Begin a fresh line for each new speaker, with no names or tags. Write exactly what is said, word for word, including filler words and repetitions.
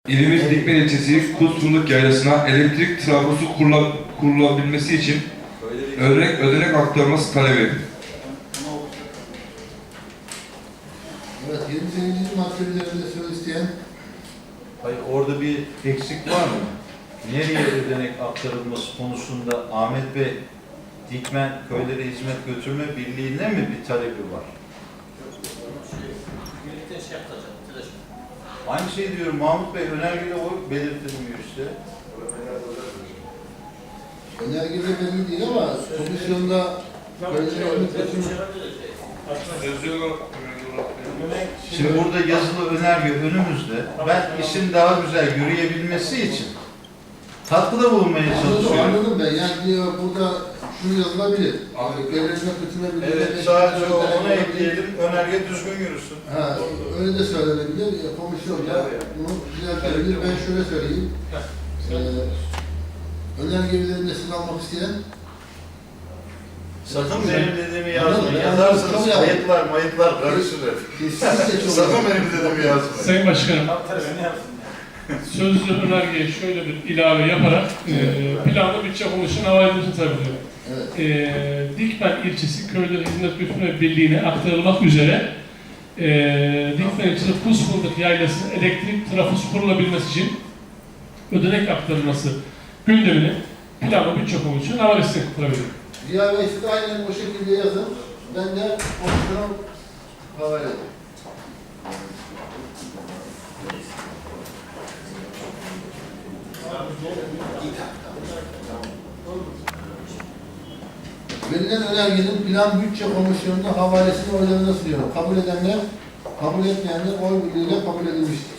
İlimiz Dikmen ilçesi Kuzfındık Yaylası'na elektrik trafosu kurula, kurulabilmesi için ödenek, ödenek aktarılması talebi.
Evet, yirmi sekizinci madde üzerinde söz isteyen.
Hayır, orada bir eksik var mı? Nereye ödenek aktarılması konusunda Ahmet Bey, Dikmen Köylere Hizmet Götürme Birliği'ne mi bir talebi var? Aynı şey diyorum Mahmut Bey, önergede o belirtilmiyor işte.
Önergede belli değil ama komisyonda Köylere Hizmet Götürme.
Şimdi burada yazılı önerge önümüzde. Ben işin daha güzel yürüyebilmesi için katkıda bulunmaya çalışıyorum.
Anladım ben. Yani diyor burada şunu yazılabilir. Köylere Hizmet Götürme Birliği.
Evet, sadece ona ekleyelim, önerge düzgün yürüsün.
Ha, öyle de söylenebilir. Komisyonda bunu düzeltebilir. Ben şöyle söyleyeyim. Ee, önerge üzerinde siz almak isteyen.
Sakın benim dediğimi yazmayın. Yazarsanız kayıtlar, mayıtlar karışır.
Kesinlikle çok
Sakın benim dediğimi yazmayın.
Sayın Başkanım, sözlü önergeye şöyle bir ilave yaparak e, planlı bütçe komisyonu havale edilmesini talep ediyorum.
Evet.
E, Dikmen ilçesi Köylere Hizmet Götürme Birliği'ne aktarılmak üzere e, Dikmen ilçesi Kuzfındık Yaylası'nın elektrik trafosu kurulabilmesi için ödenek aktarılması gündemini planlı bütçe komisyonu havale edilmesini talep ediyorum.
Ziya Bey siz aynen o şekilde yazın. Ben de komisyona havale edeyim. Verilen önergenin plan bütçe komisyonunda havalesini oylarına sunuyorum. Kabul edenler, kabul etmeyenler oy birliğiyle kabul edilmiştir.